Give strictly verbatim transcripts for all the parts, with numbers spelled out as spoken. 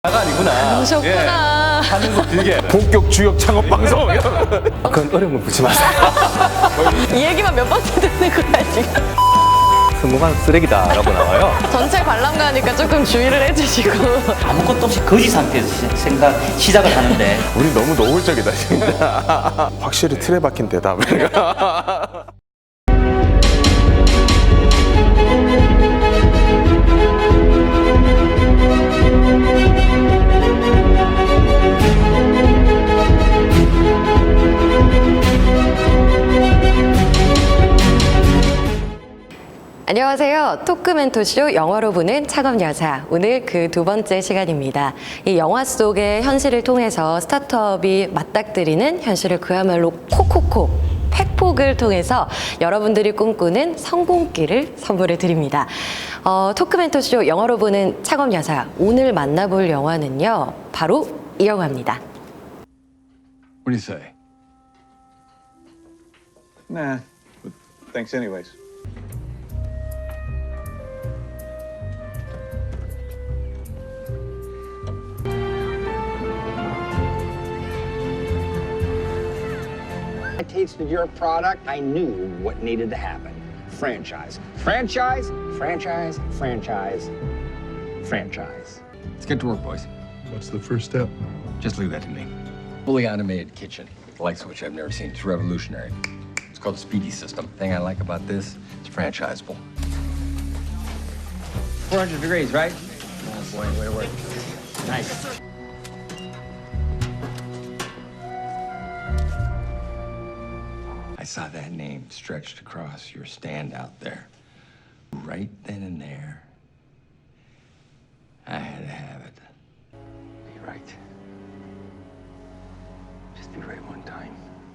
가 아니구나. 그러셨구나. 예, 하는 거 길게. 본격 주역 창업 방송. 그건 어려운 건 붙지 마세요. 이 얘기만 몇 번째 듣는 거야 지금. 성공한 쓰레기다라고 나와요. 전체 관람가니까 조금 주의를 해주시고. 아무것도 없이 거지 상태에서 시- 생각 시작을 하는데 우리 너무 노골적이다 진짜. 확실히 틀에 박힌 대답. 안녕하세요. 토크멘토쇼 영화로 보는 창업여사. 오늘 그 두 번째 시간입니다. 이 영화 속의 현실을 통해서 스타트업이 맞닥뜨리는 현실을 그야말로 콕콕콕 팩폭을 통해서 여러분들이 꿈꾸는 성공기를 선물해 드립니다. 어, 토크멘토쇼 영화로 보는 창업여사. 오늘 만나볼 영화는요. 바로 이 영화입니다. What do you say? Nah, but thanks anyways. I tasted your product, I knew what needed to happen. Franchise. Franchise, franchise, franchise, franchise. Let's get to work, boys. What's the first step? Just leave that to me. Fully automated kitchen, the likes of which I've never seen. It's revolutionary. It's called the Speedy System. The thing I like about this, it's franchisable. four hundred degrees, right? Oh boy, way to work. Nice. I saw that name stretched across your stand out there. Right then and there, I had to have it. Be right. Just be right one time.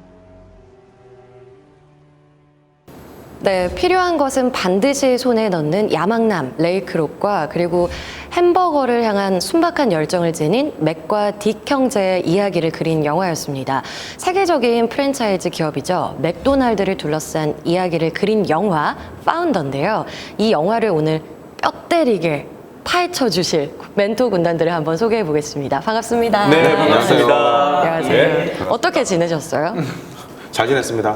네, 필요한 것은 반드시 손에 넣는 야망남 레이크록과 그리고 햄버거를 향한 순박한 열정을 지닌 맥과 딕 형제의 이야기를 그린 영화였습니다. 세계적인 프랜차이즈 기업이죠. 맥도날드를 둘러싼 이야기를 그린 영화 파운더인데요. 이 영화를 오늘 뼈 때리게 파헤쳐 주실 멘토 군단들을 한번 소개해 보겠습니다. 반갑습니다. 네, 반갑습니다. 안녕하세요. 네. 어떻게 지내셨어요? 잘 지냈습니다.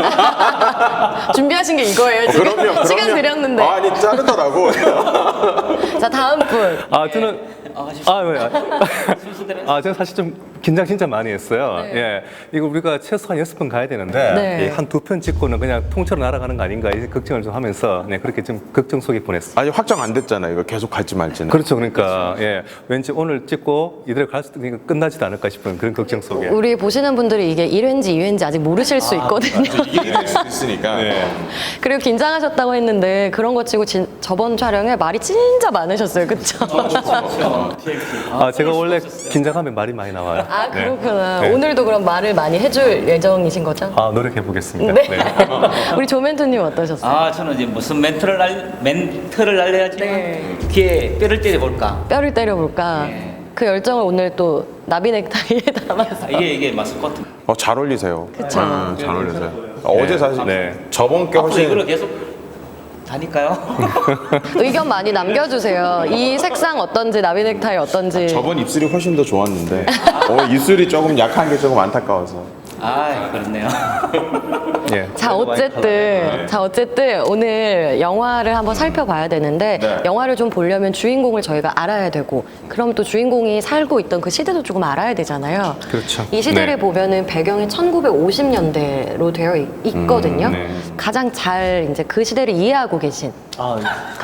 준비하신 게 이거예요, 지금? 그럼요, 그럼요. 시간 드렸는데. 아니 자르더라고. 자, 다음 분. 아, 저는 아, 왜? 아, 저는 사실 좀 긴장 진짜 많이 했어요. 네. 예, 이거 우리가 최소한 여섯 번 가야 되는데 네. 한 두 편 찍고는 그냥 통째로 날아가는 거 아닌가 이 걱정을 좀 하면서 네, 그렇게 좀 걱정 속에 보냈어요. 아니 확정 안 됐잖아요. 이거 계속 갈지 말지는. 그렇죠, 그러니까 예, 왠지 오늘 찍고 이대로 갈 수도 있으니까 끝나지도 않을까 싶은 그런 걱정 속에. 우리 보시는 분들이 이게 일 회인지 이 회인지 아직 모르실 수 있거든요. 이게 될 수 있으니까. 네. 그리고 긴장하셨다고 했는데 그런 거 치고 진, 저번 촬영에 말이 진짜 많으셨어요. 그쵸? 아, 제가 원래 긴장하면 말이 많이 나와요. 아, 네. 그렇구나. 네. 오늘도 그럼 말을 많이 해줄 예정이신 거죠? 아, 노력해 보겠습니다. 네. 우리 조멘토님 어떠셨어요? 아 저는 이제 무슨 멘트를 날 멘트를 날려야지 네. 귀에 뼈를 때려 볼까. 뼈를 때려볼까? 네. 그 열정을 오늘 또 나비 넥타이에 담아서. 이게 이게 마스코트. 어, 잘 어울리세요. 그쵸. 음, 잘 어울리세요. 어제 사실 네. 저번 게 앞으로 훨씬 이걸로 계속 다닐까요? 의견 많이 남겨주세요. 이 색상 어떤지, 나비 넥타이 어떤지. 저번 입술이 훨씬 더 좋았는데 어, 입술이 조금 약한 게 조금 안타까워서. 아 그렇네요. 예. 자 어쨌든 자 어쨌든 오늘 영화를 한번 살펴봐야 되는데 네. 영화를 좀 보려면 주인공을 저희가 알아야 되고 그럼 또 주인공이 살고 있던 그 시대도 조금 알아야 되잖아요. 그렇죠. 이 시대를 네. 보면은 배경이 천구백오십 년대로 되어 있, 있거든요. 음, 네. 가장 잘 이제 그 시대를 이해하고 계신. 아,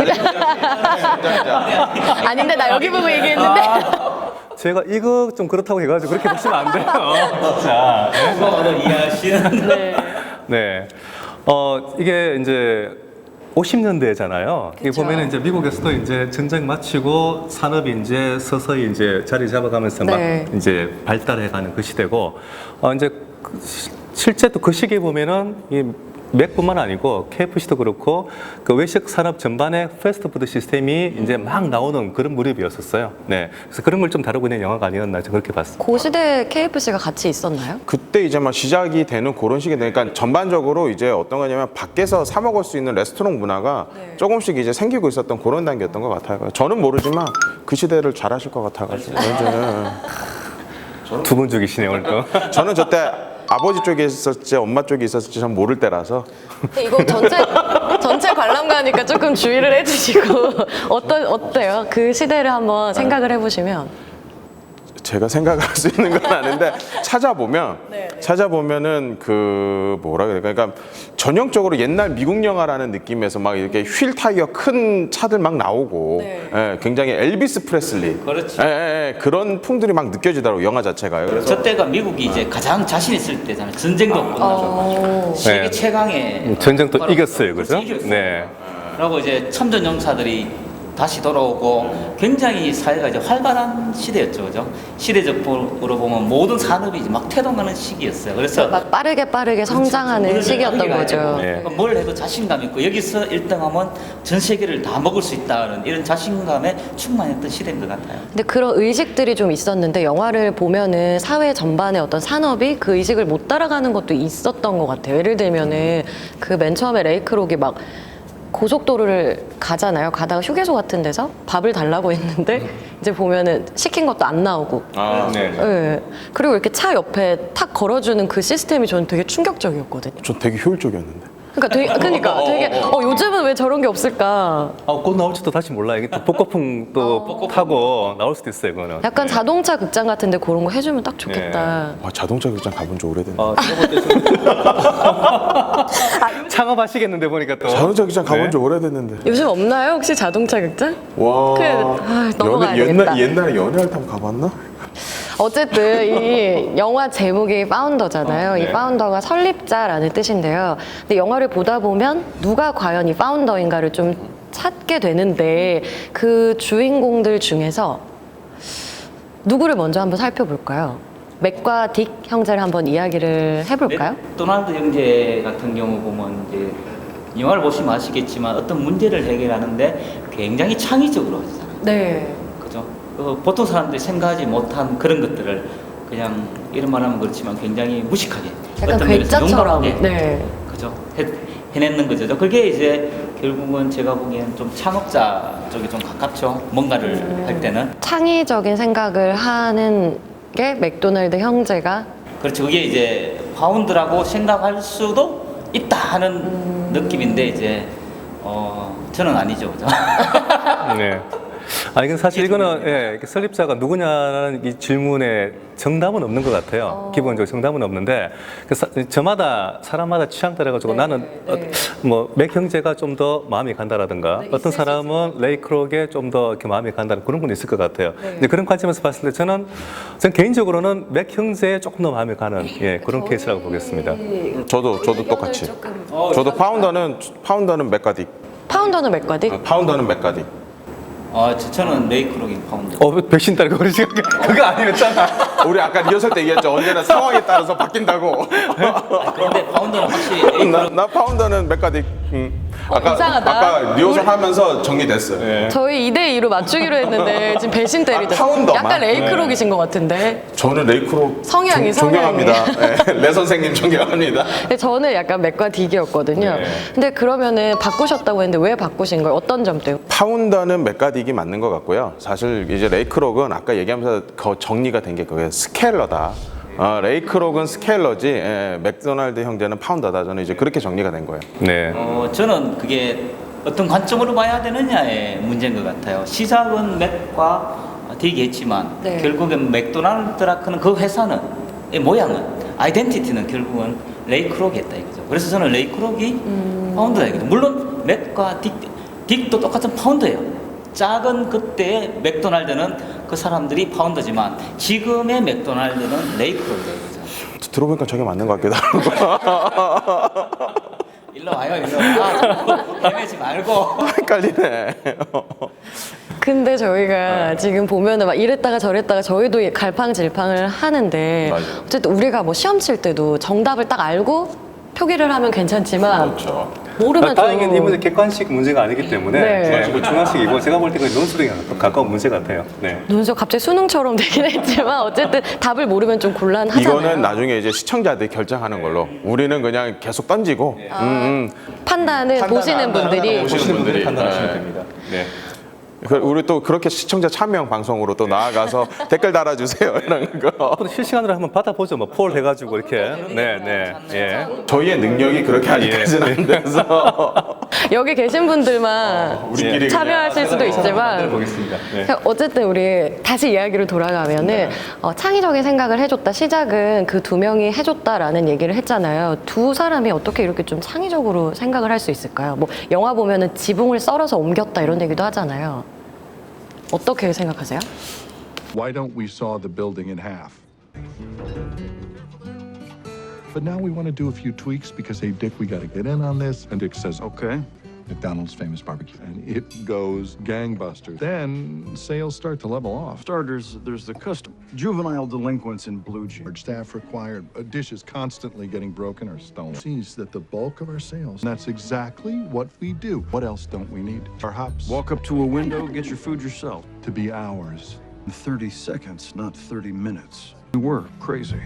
아닌데 나 여기 보고 얘기했는데. 제가 이거 좀 그렇다고 해가지고 그렇게 보시면 안 돼요. 자, 바로 이해하시는. 네. 네. 어, 이게 이제 오십 년대잖아요. 이게 그쵸. 보면은 이제 미국에서도 이제 전쟁 마치고 산업이 이제 서서히 이제 자리 잡아가면서 네. 막 이제 발달해가는 그 시대고, 어, 이제 그 시- 실제 또 그 시기에 보면은 이 맥뿐만 아니고 케이에프씨도 그렇고 그 외식 산업 전반의 패스트푸드 시스템이 이제 막 나오는 그런 무렵이었었어요. 네, 그래서 그런 걸 좀 다루고 있는 영화가 아니었나 저는 그렇게 봤습니다. 그 시대에 케이에프씨가 같이 있었나요? 그때 이제 막 시작이 되는 그런 시기 되니까 전반적으로 이제 어떤 거냐면 밖에서 사 먹을 수 있는 레스토랑 문화가 조금씩 이제 생기고 있었던 그런 단계였던 것 같아요. 저는 모르지만 그 시대를 잘 아실 것 같아가지고 두 분 죽이시네요 오늘 또. 저는 저때 아버지 쪽에 있었지 엄마 쪽에 있었지 전 모를 때라서 이거 전체 전체 관람가니까 조금 주의를 해주시고 어떤 어때요? 그 시대를 한번 생각을 해보시면. 제가 생각할 수 있는 건 아닌데 찾아보면 네, 찾아보면은 그 뭐라 그래 그러니까 전형적으로 옛날 미국 영화라는 느낌에서 막 이렇게 휠 타이어 큰 차들 막 나오고 네. 예, 굉장히 엘비스 프레슬리 그렇지. 예, 예, 예, 그런 풍들이 막 느껴지더라고 영화 자체가요. 그래서 저 때가 미국이 이제 가장 자신 있을 때잖아요. 전쟁도 끝나고 어... 세계 네. 최강의 전쟁도 바로- 이겼어요, 그죠? 그렇지, 이겼어요. 네. 그리고 이제 참전 용사들이 다시 돌아오고 굉장히 사회가 이제 활발한 시대였죠, 그죠? 시대적으로 보면 모든 산업이 이제 막 태동하는 시기였어요. 그래서 막 빠르게 빠르게 성장하는 그렇죠. 시기였던 거죠. 네. 그러니까 뭘 해도 자신감 있고 여기서 일 등하면 전 세계를 다 먹을 수 있다는 이런 자신감에 충만했던 시대인 것 같아요. 근데 그런 의식들이 좀 있었는데 영화를 보면은 사회 전반의 어떤 산업이 그 의식을 못 따라가는 것도 있었던 것 같아요. 예를 들면은 그 맨 처음에 레이크록이 막 고속도로를 가잖아요. 가다가 휴게소 같은 데서 밥을 달라고 했는데 이제 보면은 시킨 것도 안 나오고. 아, 네. 예. 그리고 이렇게 차 옆에 탁 걸어주는 그 시스템이 저는 되게 충격적이었거든요. 저 되게 효율적이었는데. 그러니까 되게, 그러니까 되게 어, 요즘은 왜 저런 게 없을까? 아, 곧 나올지도 다시 몰라요. 이게 또 복고풍 또 타고 나올 수도 있어요, 그거는. 약간 자동차 극장 같은데 그런 거 해주면 딱 좋겠다. 와, 자동차 극장 가본 지 오래됐네. 아, 창업하시겠는데 보니까 또. 자동차 극장 가본 네. 지 오래됐는데. 요즘 없나요? 혹시 자동차 극장? 와. 그, 아, 넘어가야 연애, 되겠다. 옛날 옛날에 연애할 탐 가봤나? 어쨌든 이 영화 제목이 파운더잖아요. 네. 이 파운더가 설립자라는 뜻인데요. 근데 영화를 보다 보면 누가 과연 이 파운더인가를 좀 찾게 되는데 그 주인공들 중에서 누구를 먼저 한번 살펴볼까요? 맥과 딕 형제를 한번 이야기를 해볼까요? 맥도날드 형제 같은 경우 보면 이제 영화를 보시면 아시겠지만 어떤 문제를 해결하는데 굉장히 창의적으로 하잖아요. 네. 그죠? 그 보통 사람들이 생각하지 못한 그런 것들을 그냥 이런 말하면 그렇지만 굉장히 무식하게 약간 어떤 면에서 괴짜처럼. 용감하게 네. 그죠? 해, 해내는 거죠. 그게 이제 결국은 제가 보기엔 좀 창업자 쪽에 좀 가깝죠. 뭔가를 음. 할 때는 창의적인 생각을 하는 게 맥도날드 형제가 그렇죠. 그게 이제 파운드라고 생각할 수도 있다 하는 음. 느낌인데 이제 어 저는 아니죠, 그죠? 네. 아, 이건 사실 이거는 예, 이렇게 설립자가 누구냐라는 이 질문에 정답은 없는 것 같아요. 어. 기본적으로 정답은 없는데 그 사, 저마다 사람마다 취향 따라가지고 네, 나는 네. 어, 뭐맥 형제가 좀 더 마음이 간다라든가 네, 어떤 있을 수 사람은 레이크록에 좀 더 이렇게 마음이 간다는 그런 분 있을 것 같아요. 네. 근데 그런 관점에서 봤을 때 저는 전 개인적으로는 맥 형제에 조금 더 마음이 가는 예, 그런 케이스라고 보겠습니다. 저도 저도 똑같이. 어, 저도 파운더는 파운더는 맥가딕. 파운더는 맥과 딕? 아, 파운더는 맥가딕. 어, 저, 저는 레이크록인 파운드. 어, 백신 딸고 그러지 그거 아니었잖아. 우리 아까 리허설 때 얘기했죠. 언제나 상황에 따라서 바뀐다고. 그런데 파운드는 확실히 나, 레이크록 나 파운더는 맥가딕. 음. 아까 이상하다. 아까 리허설 하면서 정리됐어요. 저희 이 대 이로 맞추기로 했는데 지금 배신 때리죠. 아, 파운더만? 약간 레이크록이신 것 같은데. 저는 레이크로 성향이, 존, 성향이. 존경합니다. 네, 레 선생님 존경합니다. 근데 저는 약간 맥과 딕이었거든요. 네. 근데 그러면은 바꾸셨다고 했는데 왜 바꾸신 거예요? 어떤 점 때문에? 파운더는 맥가딕이 맞는 것 같고요. 사실 이제 레이크록은 아까 얘기하면서 그 정리가 된 게 그게 스케일러다. 어, 레이크록은 스케일러지, 예, 맥도날드 형제는 파운더다. 저는 이제 그렇게 정리가 된 거예요. 네. 어, 저는 그게 어떤 관점으로 봐야 되느냐의 문제인 것 같아요. 시작은 맥과 딕이 했지만 네. 결국엔 맥도날드라는 그 회사는 의 모양은 아이덴티티는 결국은 레이크록이 했다 이거죠. 그래서 저는 레이크록이 음. 파운드다 이거죠. 물론 맥과 딕, 딕도 똑같은 파운드예요. 작은 그때의 맥도날드는 그 사람들이 파운드지만 지금의 맥도날드는 레이크록이다 이거죠. 들어보니까 저게 맞는 것 같기도 하고. 일로 와요, 일로 와. 헤매지 말고. 헷갈리네. 근데 저희가 지금 보면은 막 이랬다가 저랬다가 저희도 갈팡질팡을 하는데 맞아요. 어쨌든 우리가 뭐 시험 칠 때도 정답을 딱 알고 표기를 하면 괜찮지만 그렇죠. 모르면 다행히 좀 이 문제 객관식 문제가 아니기 때문에 네. 네, 그 중간식이고 제가 볼 때 그 논술에 가까운 문제 같아요. 네. 눈썹 갑자기 수능처럼 되긴 했지만 어쨌든 답을 모르면 좀 곤란하잖아요. 이거는 나중에 이제 시청자들이 결정하는 걸로 우리는 그냥 계속 던지고 음, 음. 판단은 보시는 분들이 보시는 분들이 판단하시면 네. 됩니다. 네. 그 우리 또 그렇게 시청자 참여 방송으로 또 나아가서 댓글 달아주세요 이런 거. 앞으로 실시간으로 한번 받아보죠. 뭐 폴 해가지고 이렇게. 네, 네, 예. 저희의 능력이 그렇게 아직까지는 안 돼서 여기 계신 분들만 우리끼리 참여하실 수도 있지만 보겠습니다. 네. 어쨌든 우리 다시 이야기로 돌아가면은 어, 창의적인 생각을 해줬다. 시작은 그 두 명이 해줬다라는 얘기를 했잖아요. 두 사람이 어떻게 이렇게 좀 창의적으로 생각을 할 수 있을까요? 뭐 영화 보면은 지붕을 썰어서 옮겼다 이런 얘기도 하잖아요. 어떻게 생각하세요? Why don't we saw the building in half? But now we want to do a few tweaks because, hey, Dick, we got to get in on this. And Dick says, okay. McDonald's famous barbecue. And it goes gangbusters. Then sales start to level off. Starters, there's the custom. Juvenile delinquents in blue jeans. Our staff required a dish is constantly getting broken or stolen. Sees that the bulk of our sales. And that's exactly what we do. What else don't we need? Our hops Walk up to a window, get your food yourself. to be ours. In thirty seconds, not thirty minutes. We were crazy.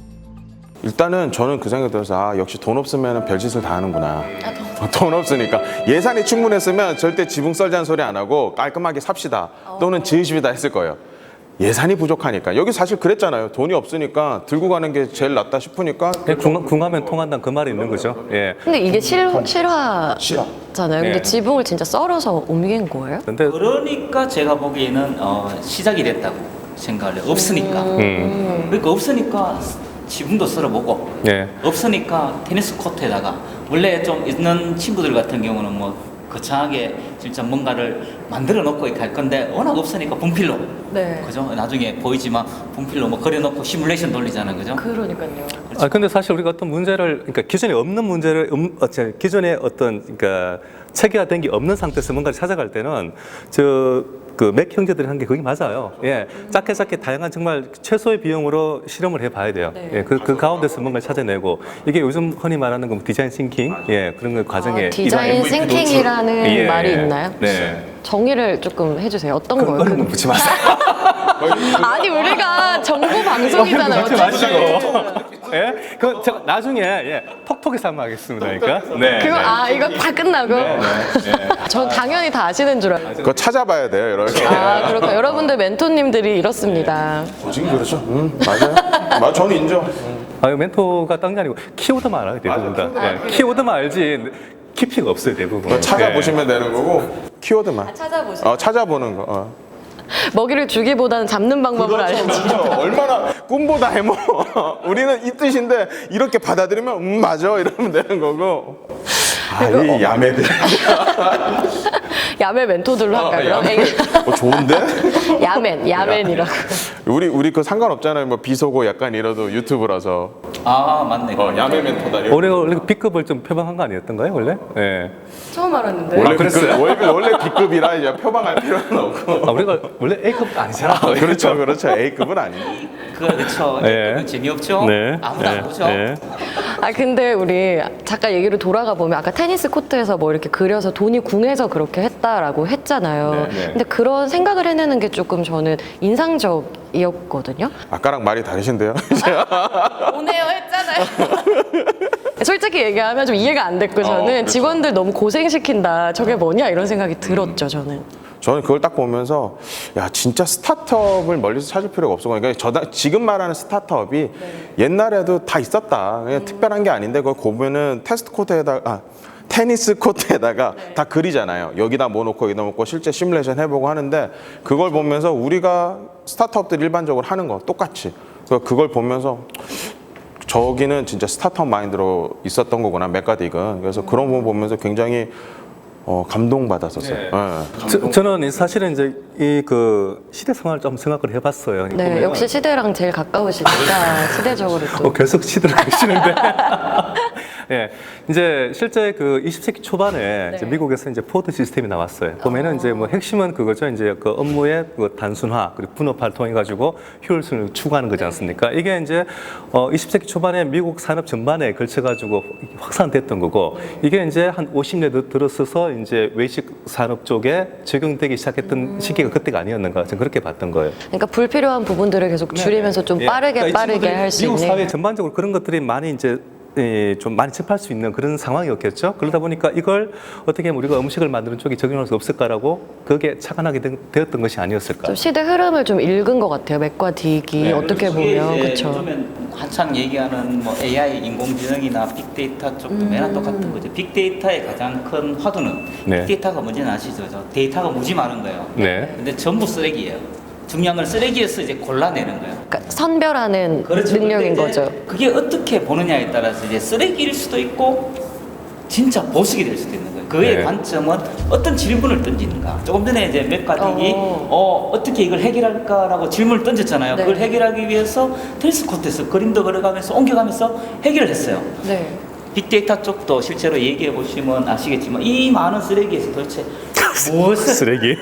일단은 저는 그 생각이 들어서 아 역시 돈 없으면 별짓을 다 하는구나. 돈 없으니까 예산이 충분했으면 절대 지붕 썰자는 소리 안 하고 깔끔하게 삽시다 또는 지으십시다 했을 거예요. 예산이 부족하니까 여기 사실 그랬잖아요. 돈이 없으니까 들고 가는 게 제일 낫다 싶으니까 궁, 궁하면 통한다는 그 말이 있는 거죠. 예. 근데 이게 실, 실화잖아요. 근데 네. 지붕을 진짜 썰어서 옮긴 거예요? 근데 그러니까 제가 보기에는 어, 시작이 됐다고 생각을 해요. 없으니까. 음. 그러니까 없으니까 지붕도 썰어보고 예. 없으니까 테니스 코트에다가 원래 좀 있는 친구들 같은 경우는 뭐 거창하게 진짜 뭔가를 만들어 놓고 이렇게 할 건데 워낙 없으니까 분필로 네. 그죠? 나중에 보이지만 분필로 뭐 그려놓고 시뮬레이션 돌리잖아요, 그죠? 그러니까요. 아 근데 사실 우리가 어떤 문제를 그러니까 기존에 없는 문제를 음, 어, 저, 기존에 어떤 그러니까 체계화된 게 없는 상태에서 뭔가를 찾아갈 때는 저 그 맥 형제들이 한 게 그게 맞아요. 예, 작게 작게 다양한 정말 최소의 비용으로 실험을 해봐야 돼요. 네. 예, 그, 그 가운데서 뭔가를 찾아내고 이게 요즘 흔히 말하는 그 디자인 싱킹, 예, 그런 그 과정에 아, 디자인 이런 싱킹이라는 예, 말이 예. 있나요? 네. 정의를 조금 해주세요. 어떤 거예요? 그런 그- 건 묻지 마세요. 아니 우리가 정보 방송이잖아요. 묻지 마시고. 예, 그 제가 나중에 예, 톡톡에서 한번 하겠습니다. 그러니까. 네. 그거 아 이거 다 끝나고? 네. 전 당연히 다 아시는 줄 알아요. 그거 찾아봐야 돼요 이렇게. 아 그렇고 여러분들 멘토님들이 이렇습니다. 지금 그렇죠. 음, 맞아요. 맞아, 저는 인정. 아, 멘토가 딴 게 아니고 키워드만 알아요 대부분 다. 예, 키워드만 알지 키피가 없어요 대부분. 찾아보시면 되는 거고 키워드만. 찾아보시면. 어, 찾아보는 거. 어. 먹이를 주기보다는 잡는 방법을 알려주죠. 그렇죠. 얼마나 꿈보다 해모. 우리는 이 뜻인데 이렇게 받아들이면 음 맞아 이러면 되는 거고. 아이 야매들. 야매 멘토들로 할까요? 아, 야매. 어, 좋은데? 야맨, 야맨이라고. 우리 우리 그 상관없잖아요. 뭐 비속어 약간 이러도 유튜브라서. 아 맞네. 어, 야매 멘토다. 올해 원래 B급을 좀 표방한 거 아니었던가요 원래? 예. 처음 알았는데. 원래 B급, 원래, 원래 B급이라 이제 표방할 필요는 없고. 아 우리가 원래 A급 아니잖아. 그렇죠, 그렇죠. A급은 아니죠. 그 그렇죠. 예. 그건 재미없죠. 네. 아무도 안 예, 보죠. 예. 아 근데 우리 잠깐 얘기를 돌아가 보면 아까 테니스 코트에서 뭐 이렇게 그려서 돈이 궁해서 그렇게 했다라고 했잖아요. 네, 네. 근데 그런 생각을 해내는 게 조금 저는 인상적이었거든요. 아까랑 말이 다르신데요. 오네요 했잖아요. 솔직히 얘기하면 좀 이해가 안 됐고 저는 어, 그렇죠. 직원들 너무 고생시킨다. 저게 뭐냐 이런 생각이 들었죠 저는. 저는 그걸 딱 보면서 야 진짜 스타트업을 멀리서 찾을 필요가 없어. 그러니까 저 지금 말하는 스타트업이 옛날에도 다 있었다. 그냥 특별한 게 아닌데 그걸 보면은 테스트 코트에다가 아, 테니스 코트에다가 다 그리잖아요. 여기다 뭐 놓고 여기다 놓고 실제 시뮬레이션 해보고 하는데 그걸 보면서 우리가 스타트업들 일반적으로 하는 거 똑같이 그러니까 그걸 보면서 저기는 진짜 스타트업 마인드로 있었던 거구나 맥가딕은. 그래서 그런 부분 보면서 굉장히 어, 감동받았었어요. 네. 예. 저, 저는 이 사실은 이제 이 그 시대 상황을 좀 생각을 해봤어요. 네 보면은. 역시 시대랑 제일 가까우시니까 시대적으로 또. 어, 계속 시대를 가시는데. 예, 이제 실제 그 이십 세기 초반에 이제 네. 미국에서 이제 포드 시스템이 나왔어요. 보면은 이제 뭐 핵심은 그거죠. 이제 그 업무의 그 단순화 그리고 분업화를 통해 가지고 효율성을 추구하는 거지 않습니까? 이게 이제 어 이십 세기 초반에 미국 산업 전반에 걸쳐 가지고 확산됐던 거고 이게 이제 한 오십 년 들어서서 이제 외식 산업 쪽에 적용되기 시작했던 시기가 그때가 아니었는가 저는 그렇게 봤던 거예요. 그러니까 불필요한 부분들을 계속 줄이면서 좀 예. 빠르게 그러니까 이 빠르게 친구들이 할 수 미국 있는. 사회 전반적으로 그런 것들이 많이 이제 예, 좀 많이 접할 수 있는 그런 상황이었겠죠. 그러다 보니까 이걸 어떻게 하면 우리가 음식을 만드는 쪽에 적용할 수 없을까라고 그게 착안하게 된- 되었던 것이 아니었을까. 좀 시대 흐름을 좀 읽은 것 같아요. 맥과 딕이 네. 어떻게 보면 이게 이제 그렇죠. 요즘엔 한창 얘기하는 뭐 에이아이 인공지능이나 빅데이터 쪽도 음. 매나 똑같은 거죠. 빅데이터의 가장 큰 화두는 네. 빅데이터가 뭔지는 아시죠? 저 데이터가 무지 많은 거예요. 네. 근데 전부 쓰레기예요. 중요한 건 쓰레기에서 이제 골라내는 거예요. 그러니까 선별하는 능력인 근데 이제 거죠. 그게 어떻게 보느냐에 따라서 이제 쓰레기일 수도 있고 진짜 보석이 될 수도 있는 거예요. 그의 네. 관점은 어떤 질문을 던지는가. 조금 전에 이제 맥과딕이 어. 어. 어떻게 이걸 해결할까라고 질문을 던졌잖아요. 네. 그걸 해결하기 위해서 테니스 코트에서 그림도 그려가면서 옮겨가면서 해결을 했어요. 네. 빅데이터 쪽도 실제로 얘기해 보시면 아시겠지만 이 많은 쓰레기에서 도대체 무엇을 쓰레기.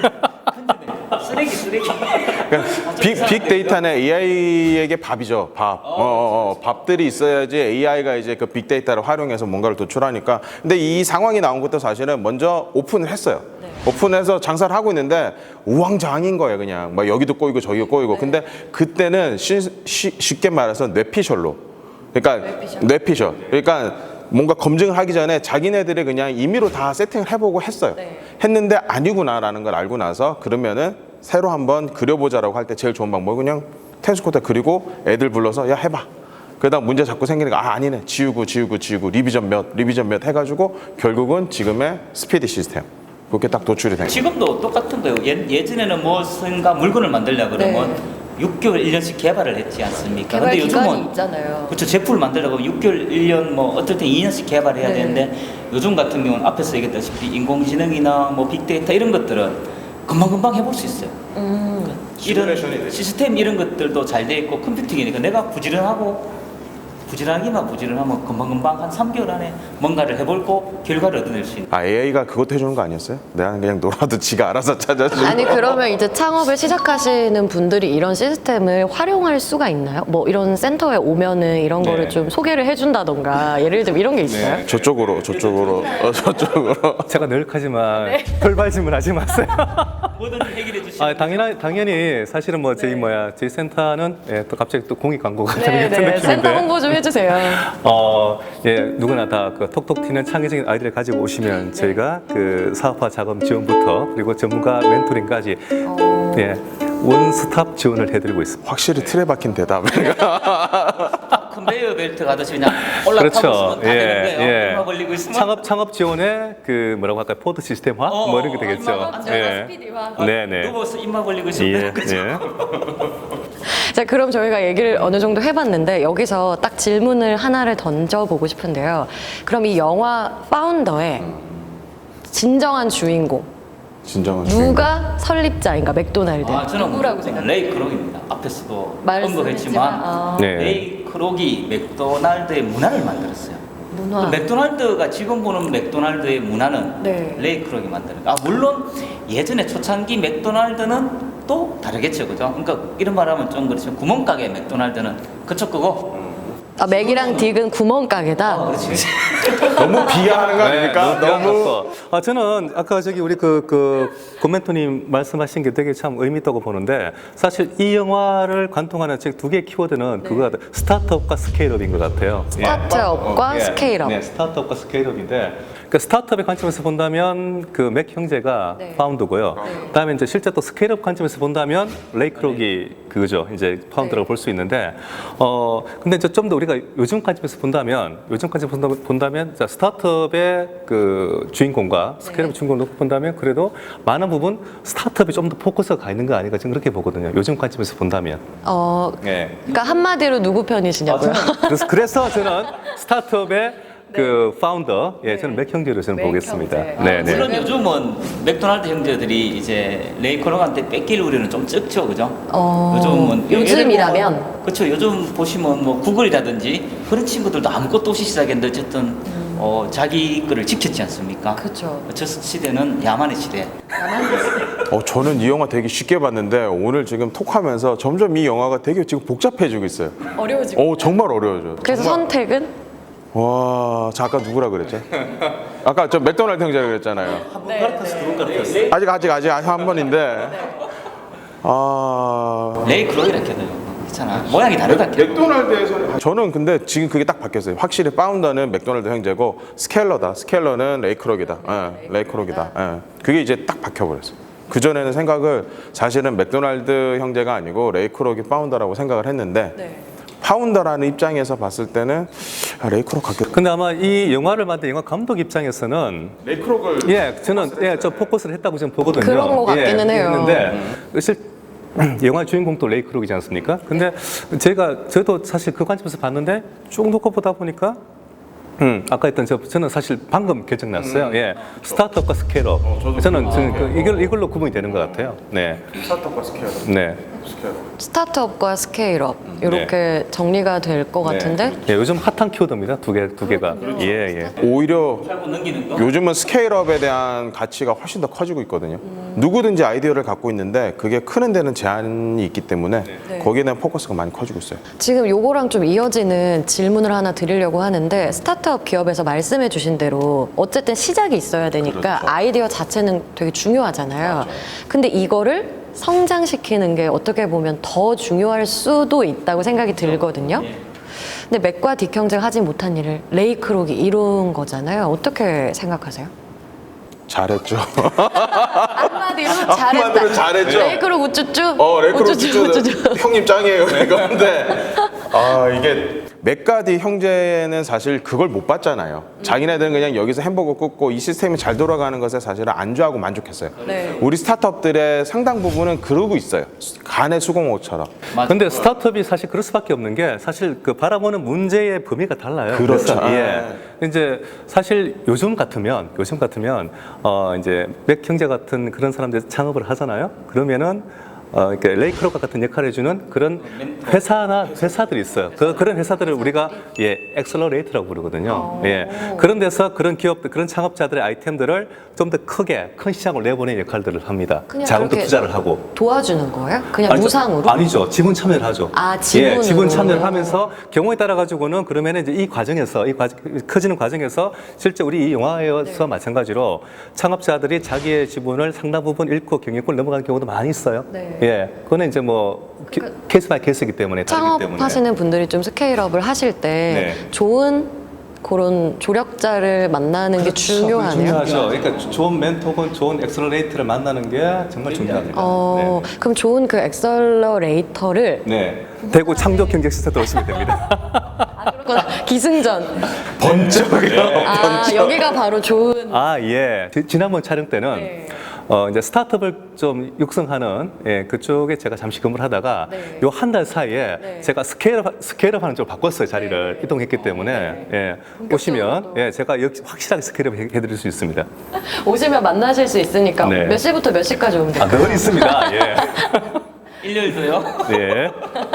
쓰레기 쓰레기 그러니까 빅, 빅데이터는 에이아이에게 밥이죠. 밥. 어, 어, 어, 밥들이 있어야지 에이아이가 이제 그 빅데이터를 활용해서 뭔가를 도출하니까. 근데 이 상황이 나온 것도 사실은 먼저 오픈을 했어요. 오픈해서 장사를 하고 있는데 우왕좌왕인 거예요, 그냥. 막 여기도 꼬이고 저기도 꼬이고. 근데 그때는 쉬, 쉬, 쉽게 말해서 뇌피셜로. 그러니까 뇌피셜. 그러니까 뭔가 검증을 하기 전에 자기네들이 그냥 임의로 다 세팅을 해보고 했어요. 했는데 아니구나라는 걸 알고 나서 그러면은 새로 한번 그려보자라고 할 때 제일 좋은 방법은 그냥 테니스 코트 그리고 애들 불러서 야 해봐. 그러다 문제 자꾸 생기니까 아 아니네 지우고 지우고 지우고 리비전 몇 리비전 몇 해가지고 결국은 지금의 스피디 시스템 그렇게 딱 도출이 된 거예요. 지금도 똑같은 거예요. 예, 예전에는 무엇인가 물건을 만들려고 그러면 네. 육 개월, 일 년씩 개발을 했지 않습니까? 개발 근데 기간이 요즘은 있잖아요. 그렇죠. 제품을 만들려고 하면 육 개월, 일 년, 뭐 어떨 땐 이 년씩 개발해야 네. 되는데 요즘 같은 경우는 앞에서 얘기했다시피 인공지능이나 뭐 빅데이터 이런 것들은 금방금방 해볼 수 있어요. 음. 이런 시스템 이런 것들도 잘 돼 있고 컴퓨팅이니까 내가 부지런하고 부지런하기만 부지런하면 금방금방 한 삼 개월 안에 뭔가를 해볼고 결과를 얻어낼 수 있는. 아 에이아이가 그것도 해주는 거 아니었어요? 내가 그냥 놀아도 지가 알아서 찾아주고. 아니 그러면 이제 창업을 시작하시는 분들이 이런 시스템을 활용할 수가 있나요? 뭐 이런 센터에 오면은 이런 네. 거를 좀 소개를 해준다던가 예를 들면 이런 게 있어요? 저쪽으로 저쪽으로 어, 저쪽으로. 제가 늘하지만 돌발 질문하지 마세요. 뭐든지 해결해 주시면 아, 당연히 당연히 사실은 뭐 저희 뭐야 저희 센터는 예, 또 갑자기 또 공익 광고가 되는 네, 같은 네. 센터 느낌인데. 홍보 좀 해주세요. 어, 예, 누구나 다 그 톡톡 튀는 창의적인 아이디어를 가지고 오시면 저희가 그 사업화 자금 지원부터 그리고 전문가 멘토링까지 예, 원스톱 지원을 해드리고 있습니다. 확실히 틀에 박힌 대답을. 컨베이어 벨트 가듯이 그냥 올라타고 그렇죠. 있으면 다 예, 되는 거예요. 예. 얼마 걸리고 있으면 창업 창업 지원에 그 뭐라고 할까요? 포드 시스템화 어, 뭐 이런 게 어, 되겠죠. 얼마나 스피디화. 네, 네. 누워서 입만 벌리고 있으면 예, 되는 거죠. 예. 자, 그럼 저희가 얘기를 어느 정도 해봤는데 여기서 딱 질문을 하나를 던져보고 싶은데요. 그럼 이 영화 파운더의 진정한 주인공 진정한 누가 설립자인가? 맥도날드. 아, 저는 누구라고 생각해요? 레이 크록입니다. 앞에서도 말씀했지만, 언급했지만 아. 네. 레이 크록이 맥도날드의 문화를 만들었어요. 문화. 그 맥도날드가 지금 보는 맥도날드의 문화는 네. 레이 크록이 만드는 거. 아 물론 예전에 초창기 맥도날드는 또 다르겠죠, 그죠? 그러니까 이런 말하면 좀 그렇지만 구멍가게 맥도날드는 그쪽 거고. 아, 맥이랑 딕은 구멍가게다. 어, 그렇지. 너무 비하하는 거 아닙니까? 네, 너무. 너무. 아, 저는 아까 저기 우리 그, 그, 고멘토님 말씀하신 게 되게 참 의미 있다고 보는데 사실 이 영화를 관통하는 즉 두 개의 키워드는 그거 같아요. 스타트업과 스케일업인 것 같아요. 예. 스타트업과 예, 스케일업. 네, 스타트업과 스케일업인데 그 스타트업의 관점에서 본다면 그 맥 형제가 네. 파운드고요. 그다음에 이제 실제 또 스케일업 관점에서 본다면 레이 크록이 그거죠. 이제 파운드라고 네. 볼 수 있는데 어 근데 이제 좀 더 우리가 요즘 관점에서 본다면 요즘 관점에서 본다면, 본다면 자, 스타트업의 그 주인공과 스케일업 네. 주인공을 놓고 본다면 그래도 많은 부분 스타트업이 좀 더 포커스가 가 있는 거 아닌가 저는 그렇게 보거든요. 요즘 관점에서 본다면. 어, 네. 그러니까 한마디로 누구 편이시냐고요? 그래서, 그래서 저는 스타트업의 그 파운더, 예, 저는 맥 형제로 저는 맥 보겠습니다. 형제. 네, 네. 물론 요즘은 맥도날드 형제들이 이제 레이 크록한테 뺏길 우려는 좀 적죠, 그죠? 어, 요즘은 요즘이라면? 그렇죠. 요즘 보시면 뭐 구글이라든지 그런 친구들도 아무것도 없이 시작했는데 어쨌든 어, 자기 거를 지켰지 않습니까? 그렇죠. 저 시대는 야만의 시대. 어, 저는 이 영화 되게 쉽게 봤는데 오늘 지금 톡하면서 점점 이 영화가 되게 지금 복잡해지고 있어요. 어려워지고. 어, 정말 어려워져요. 그래서 선택은 와, 자, 아까 누구라 그랬죠? 아까 저 맥도날드 형제라 그랬잖아요. 아직 아직 아직 한 번인데. 아, 레이 크로이라 해요. 그렇잖아. 모양이 다르다. 맥도날드에서는 저는 근데 지금 그게 딱 바뀌었어요. 확실히 파운더는 맥도날드 형제고 스켈러다. 스켈러는 레이크록이다. 예, 레이크록이다. 예. 그게 이제 딱 바뀌어버렸어요. 그 전에는 생각을 사실은 맥도날드 형제가 아니고 레이크록이 파운더라고 생각을 했는데 네. 파운더라는 입장에서 봤을 때는 아, 레이크록 같겠다. 근데 아마 이 영화를 만든 영화 감독 입장에서는 레이크록을 예, 저는 예, 저 포커스를 했다고 저는 보거든요. 그런 것 같기는 예, 해요. 했는데 실 영화 주인공도 레이크록이지 않습니까? 근데 제가 저도 사실 그 관점에서 봤는데 쭉 놓고 보다 보니까 음, 아까 했던 저 저는 사실 방금 결정 났어요. 음. 예, 스타트업과 스케일업. 저는 저는 그 이걸 이걸로 구분이 되는 것 같아요. 네, 스타트업과 스케일업. 네. 스타트업과 스케일업 이렇게 정리가 될 것 같은데 예, 요즘 핫한 키워드입니다. 두 개, 두 개가. 예, 예. 오히려 팔고 넘기는 거. 요즘은 스케일업에 대한 가치가 훨씬 더 커지고 있거든요. 누구든지 아이디어를 갖고 있는데 그게 크는 데는 제한이 있기 때문에 네. 거기에 대한 포커스가 많이 커지고 있어요. 지금 요거랑 좀 이어지는 질문을 하나 드리려고 하는데 스타트업 기업에서 말씀해 주신 대로 어쨌든 시작이 있어야 되니까 아이디어 자체는 되게 중요하잖아요. 근데 이거를 성장시키는 게 어떻게 보면 더 중요할 수도 있다고 생각이 들거든요. 근데 맥과 딕 형제가 하지 못한 일을 레이크록이 이룬 거잖아요. 어떻게 생각하세요? 잘했죠. 한마디로 잘했다. 한마디로 잘했죠. 레이크록 우쭈쭈. 어, 레이크록 우쭈쭈, 우쭈쭈. 우쭈쭈. 형님 짱이에요. 이건데 아 이게 맥가디 형제는 사실 그걸 못 봤잖아요. 자기네들은 그냥 여기서 햄버거 굽고 이 시스템이 잘 돌아가는 것에 사실은 안주하고 만족했어요. 네. 우리 스타트업들의 상당 부분은 그러고 있어요. 간의 수공업처럼. 맞아. 근데 스타트업이 사실 그럴 수밖에 없는 게 사실 그 바라보는 문제의 범위가 달라요. 그렇죠. 그래서, 예. 이제 사실 요즘 같으면 요즘 같으면 어 이제 맥 형제 같은 그런 사람들이 창업을 하잖아요. 그러면은 어, 그러니까 레이크록과 같은 역할을 해주는 그런 회사나 회사들이 있어요. 그, 그런 회사들을 우리가 예, 엑셀러레이터라고 부르거든요. 예. 그런 데서 그런 기업들, 그런 창업자들의 아이템들을 좀 더 크게, 큰 시장으로 내보내는 역할들을 합니다. 그냥 자금도 그렇게 투자를 하고. 도와주는 거예요? 그냥 아니죠. 무상으로? 아니죠. 지분 참여를 하죠. 아, 지분으로. 예, 지분 참여를 하면서 경우에 따라 가지고는 그러면 이제 이 과정에서 이 과정, 커지는 과정에서 실제 우리 이 영화에서 네. 마찬가지로 창업자들이 자기의 지분을 상당 부분 잃고 경영권을 넘어가는 경우도 많이 있어요. 네. 예, 그거는 이제 뭐 기- 케이스 바이 케이스이기 때문에 다르기 때문에. 창업하시는 분들이 좀 스케일업을 하실 때 네. 좋은 그런 조력자를 만나는 게 중요하네요. 중요하죠. 그러니까 좋은 멘토 혹은 좋은 엑셀러레이터를 만나는 게 정말 중요합니다. 어, 그럼 좋은 그 엑셀러레이터를 네. 네. 대구 창조경제센터 오시면 됩니다. 그렇구나. 기승전. 번쩍이요. 아, 여기가 바로 좋은. 아, 예. 지- 지난번 촬영 때는 네. 어, 이제 스타트업을 좀 육성하는 예, 그쪽에 제가 잠시 근무를 하다가 네. 요 한 달 사이에 네. 제가 스케일업, 스케일업 하는 쪽으로 바꿨어요. 자리를 이동했기 때문에. 예. 오시면 예, 제가 역시 확실하게 스케일업 해- 해드릴 수 있습니다. 오시면 만나실 수 있으니까 네. 몇 시부터 몇 시까지 오면 아, 될까요? 늘 있습니다. 예. 일요일도요. 예.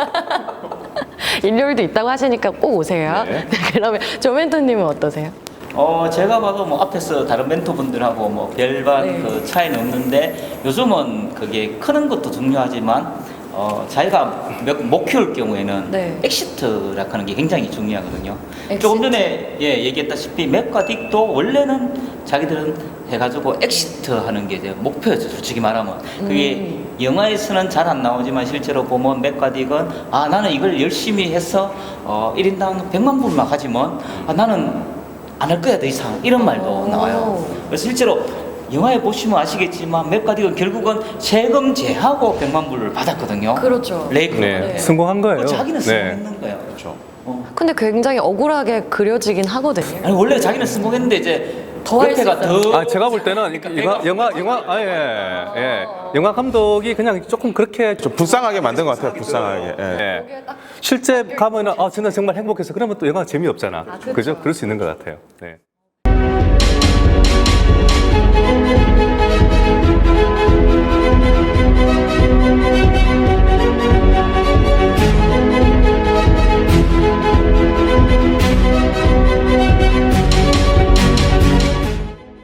일요일도 있다고 하시니까 꼭 오세요. 네. 그러면 조멘토님은 어떠세요? 어 제가 봐도 뭐 앞에서 다른 멘토분들하고 뭐 별반 네. 그 차이는 없는데 요즘은 그게 크는 것도 중요하지만 어 자기가 몇- 못 키울 경우에는 네. 엑시트라고 하는 게 굉장히 중요하거든요. 엑시트. 조금 전에 예 얘기했다시피 맥과 딕도 원래는 자기들은 해가지고 엑시트 하는 게 이제 목표였죠. 솔직히 말하면 그게 음. 영화에서는 잘 안 나오지만 실제로 보면 맥과 딕은 아 나는 이걸 열심히 해서 어 일 인당 백만 불만 가지면 아 나는 안 할 거야 더 이상 이런 말도 오. 나와요. 그래서 실제로 영화에 보시면 아시겠지만 맥가딕은 결국은 세금 제하고 백만 불을 받았거든요. 그렇죠. 레이크. 네. 네. 성공한 거예요. 자기는 네. 성공했는 거예요. 그렇죠. 어. 근데 굉장히 억울하게 그려지긴 하거든요. 아니 원래 자기는 성공했는데 이제 더할수 옆에가 있어요. 더. 아, 제가 볼 때는 영화, 영화, 영화, 아, 예, 예. 영화 감독이 그냥 조금 그렇게 좀 불쌍하게 만든 것 같아요. 불쌍하게. 예. 예. 실제 가면은 아 저는 정말 행복해서 그러면 또 영화가 재미없잖아. 그죠? 그럴 수 있는 것 같아요. 네.